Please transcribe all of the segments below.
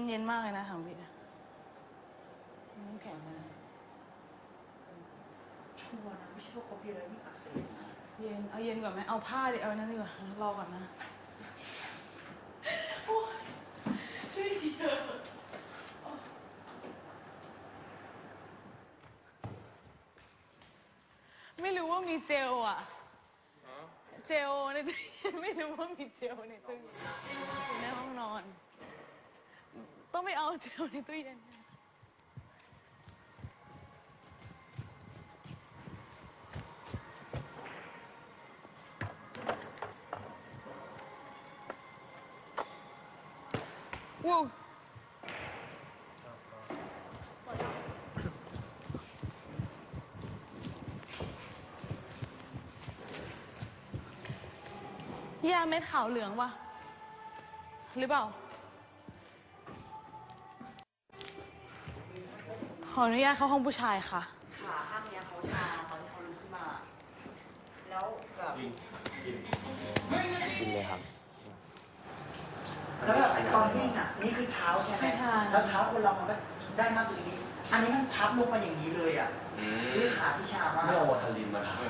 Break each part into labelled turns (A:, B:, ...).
A: มันเย็นมากเลยนะถังพี่น้ำแข็งนะ
B: ชัวร์นะไม่ใช่ว่าเขาเพียอะไรนี่อักเสบนะ
A: เย็นเอาเย็นก่อนไหมเอาผ้าดิเอานั่นดีกว่ารอก่อนนะโอ้ยช่วยทีเถอะไม่รู้ว่ามีเจลอ่ะเจลในตู้เย็นไม่รู้ว่ามีเจลในตู้เย็นอยู่ในห้องนอนต้องไปเอาเจลในตู้เย็นว้าวย่าเม็ดขาวเหลืองวะหรือเปล่าขออนุญาตเข้าห้องผู้ชายค่ะ
B: ขาข้างเนี้ยเขาชาตอนที่เขาลุกขึ้นมาแล้วแบบ
C: กินเลยครับ
B: แล้วแบบตอนวิ่งอ่ะนี่คือเท้าใช่ไหมแล้วเท้าคนเรามันก็ได้มากสุดนี้อันนี้มันพับลงมาอย่างนี้เลยอ่ะด้วยขาที่ชามาก
C: ไม่เอาวอทารินมาทำ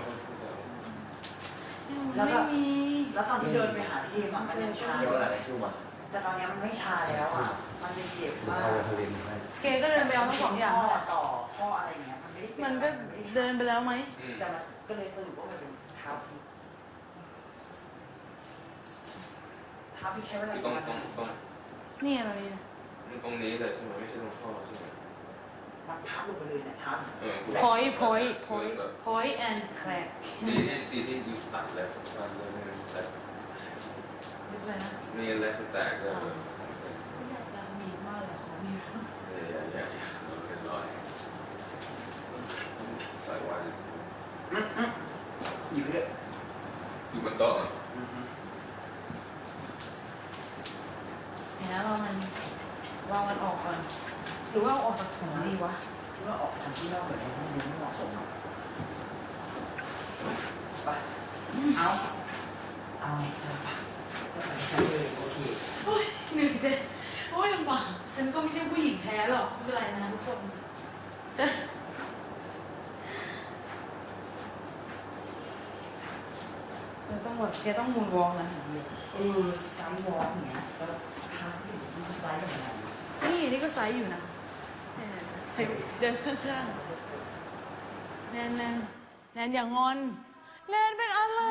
B: แล้วแบบแล้วตอนที่เดินไปหาพี่มันยังชา
C: เดี๋ยวอะไรชื่อมา
B: แต่ตอนนี้มันไม่ชาแล้วอ่ะมันจะเจ็บมาก
C: เอาวอทารินให้
A: เกก็เดินไปเอาทั้งสองอย่าง
B: ต่อข้ออะไรเงี้ย
A: มันก็เดินไปแล้วไหม
B: แต่มันก็เลยสรุปว่ามันเป็นเท้าพี่เท้าพี่ใช้เวลา
C: ตรง
A: นี่อะไรเนี่ย
C: ตรงนี้เลยใช่ไหมไม่ใช่ตรงข้อใช่ไหม
B: มันพับลงไปเลยเนี่ยเท้า
A: point and crack
C: นี่ซีที่ยูตัดแล้วตัดเลยมีอะไรแตกเลย
A: อยากมีมากเลยขอมี
C: อย่าเป็นรอยใส่ไว้
B: หยิบเลย
C: อยู่บนโต๊ะ
A: เนี่ยเรามันออกก่อนหรือว่าออกจากถุงดีวะ
B: คิดว่าออกทางที่นอกเหมือนกันมันไม่เหมาะสมหรอกไปเอาไงก็ใช้เลยโอเค
A: โอ้ยเหนื่อยเจ๊โอ้ยลำบากฉันก็ไม่ใช่ผู้หญิงแท้หรอกไม่เป็นไรนะทุกคนต้องแบบแกต้องมูนวอล์กนะ
B: ไซส์วอล์กอย่างเงี้ยแล้วทางที่ดูไซส์อย่างไร
A: นี่ก็ไซส์อยู่นะเดินข้างๆแนนอย่างอนแนนเป็นอะไร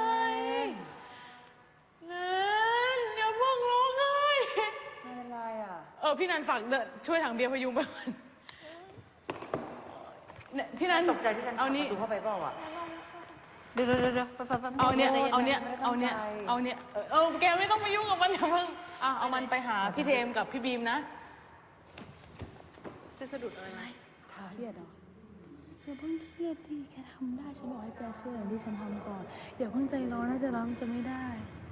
A: แนนอย่าเพิ่งร้องไห้
B: ไม่เป็นไรอ่
A: ะพี่นันฝากช่วยถังเบียร์พยุงไปก่อนพี่นัน
B: ตกใจที่ฉันเอานี้ดูเข้าไปเปล่าอ่ะ
A: เดี๋ยวเอาเนี้ยแกไม่ต้องมายุ่งกับมันอย่าเพิ่งเอามันไปหาพี่เทมกับพี่บีมนะจะสะดุดอะไรเครียดเหรออย่าเพิ่งเครียดดิแกทำได้ฉันบอกให้แกเชื่ออย่างที่ฉันทำก่อนอย่าเพิ่งใจร้อนนะจะร้อนจะไม่ได้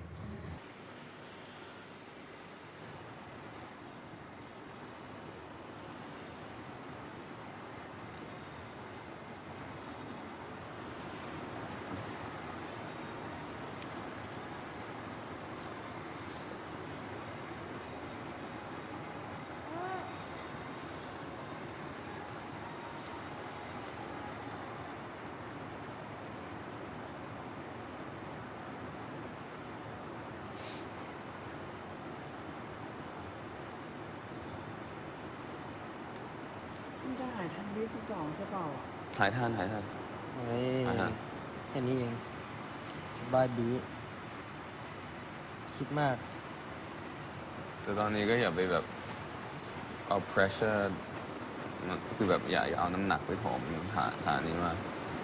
B: จะหายทันที่12ใช่เปล่า
C: หายทัน
D: เฮ้ยแค่นี้เองสบายดีคิดมาก
C: แต่ตอนนี้ก็อย่าไปแบบเอา pressure คือแบบอย่าเอาน้ำหนักไปโถมฐานนี้มาก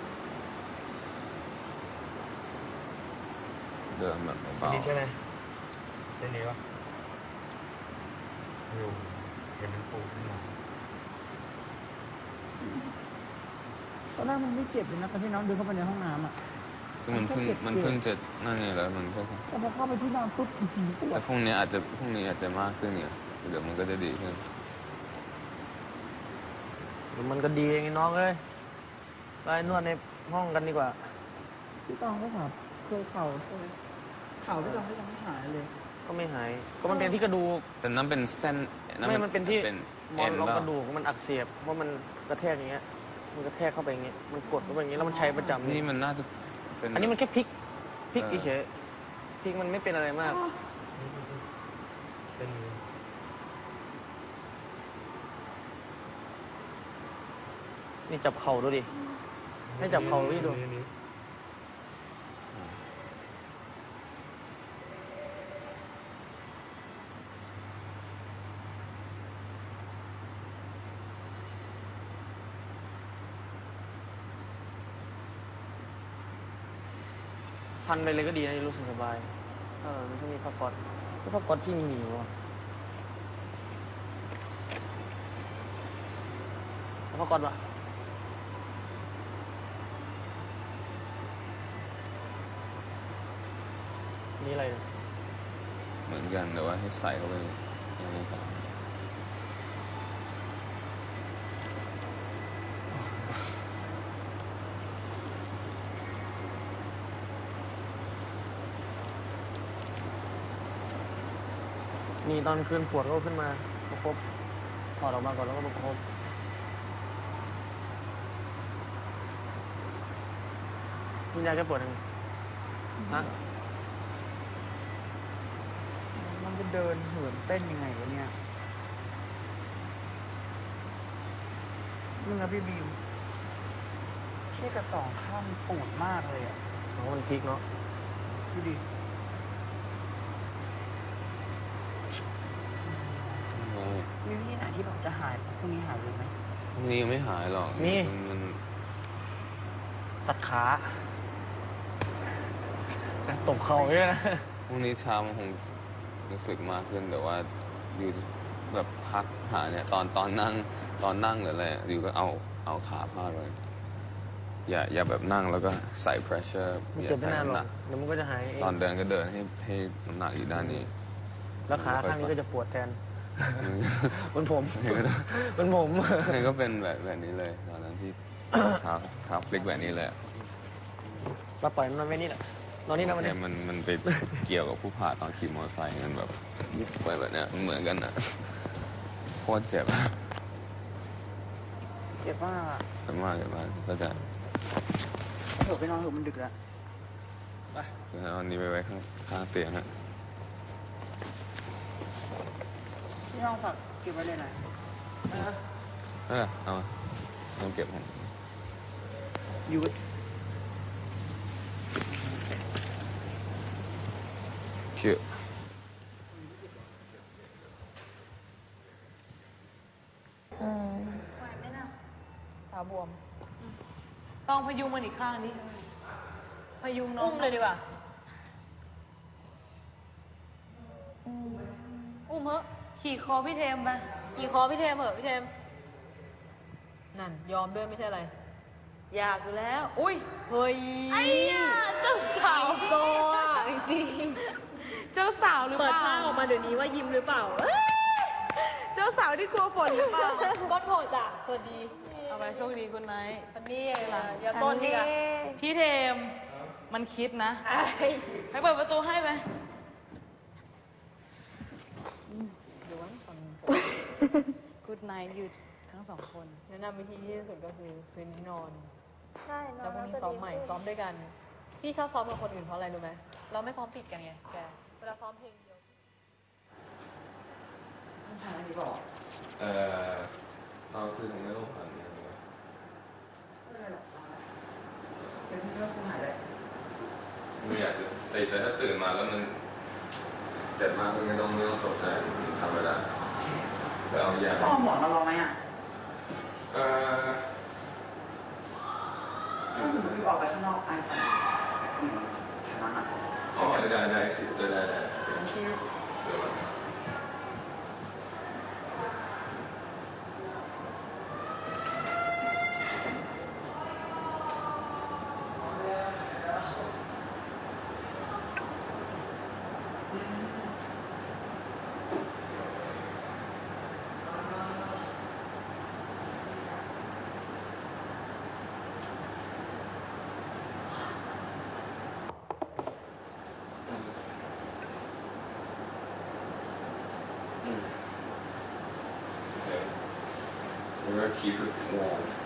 C: เดินแบบเบา
D: ๆใช่ไหมเส้นนี้วะอยู่เห็นมันปูขึ้นมา
B: ตอนแรกมันไม่เจ็บเลยนะตอนที่น้องเดินเข้าไปในห้องน้ำอ่ะ
C: คือมันเพิ่งจะนั่นไงแล้วมันก็
B: แต่พอเข้าไปที่นอนปุ๊บ
C: แต่พรุ่งนี้อาจจะมากขึ้นเนี่ยเดี๋ยวมันก็จะดีขึ้น
D: มันก็ดีเองน้องเอ้ยไปนวดในห้องกันดีกว่า
B: พี่ตองก็แบบเคยเข่าพี่ตองไม่หายเลย
D: ก็ไม่หาย ก็มันเป็นที่กระดูก
C: แต่นั่นเป็นเส้น
D: ไม่มันเป็นที่
C: เป็น
D: หมอนรอง
C: เป
D: ก
C: ล่า
D: ระดูกมันอักเสบเพราะมันกระแทกอย่างเงี้ย มันกระแทกเข้าไปอย่างเงี้ย มันกดเข้าไปอย่างเงี้ยแล้วมันใช้ประจำ
C: นี่มันน่าจะเป็น
D: อันนี้มันแค่พลิกเฉยๆพลิกมันไม่เป็นอะไรมาก นี่จับเข่าดูดิ ให้จับเข่าพี่ดู พันไปเลยก็ดีนะรู้สึกสบายไม่ต้องมีผ้าก๊อซผ้าก๊อซพี่มีอยู่วะเอาผ้าก๊อซวะนี่อะไรเนี่ย
C: เหมือนกันแต่ว่าให้ใส่เข้าไปในนี้ครับ
D: นี่ตอนคืนปวดก็ขึ้นมาประคบถอดออกมาก่อนแล้วก็ประคบมียาแก้ปวดยังไงฮะ
B: มันจะเดินเหินเต้นยังไงวะเนี่ยนี่นะพี่บิวเชี่ยกับสองข้างมันปูดมากเลยอ่ะ
D: น้องมันพลิกเนาะ
B: ดูดิ มีวิธีไหนที่แบบจะหายพรุ่งนี้หายเลยไหม
C: พรุ่งนี้ยังไม่หายหรอกมัน
D: ตัดขาตบเข่าด้วยนะ
C: พรุ่งนี้เช้ามันคงรู้สึกมากขึ้นแต่ว่าอยู่แบบพักหาเนี่ยตอนนั่งหรืออะไรอยู่ก็เอาขาพาดไว้อย่าแบบนั่งแล้วก็ใส่ pressure
D: มัน
C: อย่า
D: เจ็บไม่
C: ใส่
D: นานหร
C: น้ำห
D: อ
C: นั
D: ก
C: ก
D: เดี๋ยวมันก็จะหายเอง
C: ตอนเดินก็เดินให้น้ำหนักอยู่ด้านนี้
D: แล้วขาข้างนี้ก็จะปวดแทน มันผม
C: นี่ก็
D: มันผม
C: นี่ก็เป็นแบบนี้เลยตอนนั้นที่เท้าพลิกแบบนี้เลย
D: มาปล่อยมันไว้นี่แหละนอนนี่นะวัน
C: เนี่
D: นี้
C: ยมันไปเกี่ยวกับผู้ผ่าตอนขี่มอเตอร์ไซค์มันแบบยิบไปแบบเนี้ยมันเหมือนกันอ่ะโคตรเจ็บ
B: เจ็บมากอะ
C: เจ็บมากก็จะ
B: เถอะไปนอนเถอะมันดึกแล้ว
C: เอาอันนี้ไปไว้ข้างเตียงฮะ
B: ที่ห้องฝากเก็บไว้เลยนะ
C: เอามาต้องเก็บให้
B: ยูด
C: ชื่อ
A: ขาบวม ต้องพยุงมันอีกข้างนี้พยุงน้อง
E: อุ้มเลยดีกว่า อุ้มเหอะ
A: ขี่คอพี่เทมไป
E: กี่คอพี่เทมเหอะพี่เทม นั่น ยอมด้วยไม่ใช่อะไร
A: อยากอยู่แล้ว อุ้ย
E: เฮ้ย
A: ไอ้ยาเจ้าสาว
E: โซอ่ะจริง
A: เจ้าสาวหรือ
E: ๆเปิ
A: เป
E: ด
A: ล่า
E: ผ้าออกมาเดี๋ยวนี้ว่ายิ้มหรือเปล่า
A: เจ้าสาวที่กลัวฝนหรือเปล่า
E: ก้อนโผล่จ้ะสวัสดี
A: เอาไปโชคดีคุณไนท์
E: วันนี้อย่าต้นดีกว่า
A: พี่เทม มันคิดนะ
E: ไอ้
A: ไปเปิดประตูให้ไหม
E: เดี๋ยววันก่อน
A: Good night อยู่ทั้งสองคน
E: แนะนำวิธีที่ดีที่สุดก็คือคืนนี้นอน
F: ใช่นอ
E: แล้ว
F: น
E: พรุ่งนี้
F: จะ
E: ซ้อม
F: ดี
E: ใหม่
F: ขึ้น
E: ซ้อมด้วยกัน พี่ชอบซ้อมกับคนอื่นเพราะอะไรรู้ไหมเราไม่ซ้อมติดกันไงแก เวลาซ้อมเพลงเดียว
B: มันหายอะไรบอก
C: เอาคือผมไม่ต้องผ่าน
B: ไม่เป็นไรหรอกเป็นเรื่องคุณหายเลย
C: ไม่อยากจะแต่ถ้าตื่นมาแล้วมันเจ็บมากก็ไม่ต้องตกใจทำไม่ได้แต่เอายา
B: ต้องเอาหมอนมาลองไหมอ่ะ
C: เออ
B: ถ้าสมมติออกไปข้างนอกไอฟันแค่นั้นอ่ะ
C: อ๋อได้สิได้
B: บางที
C: เดี๋ยว keep it warm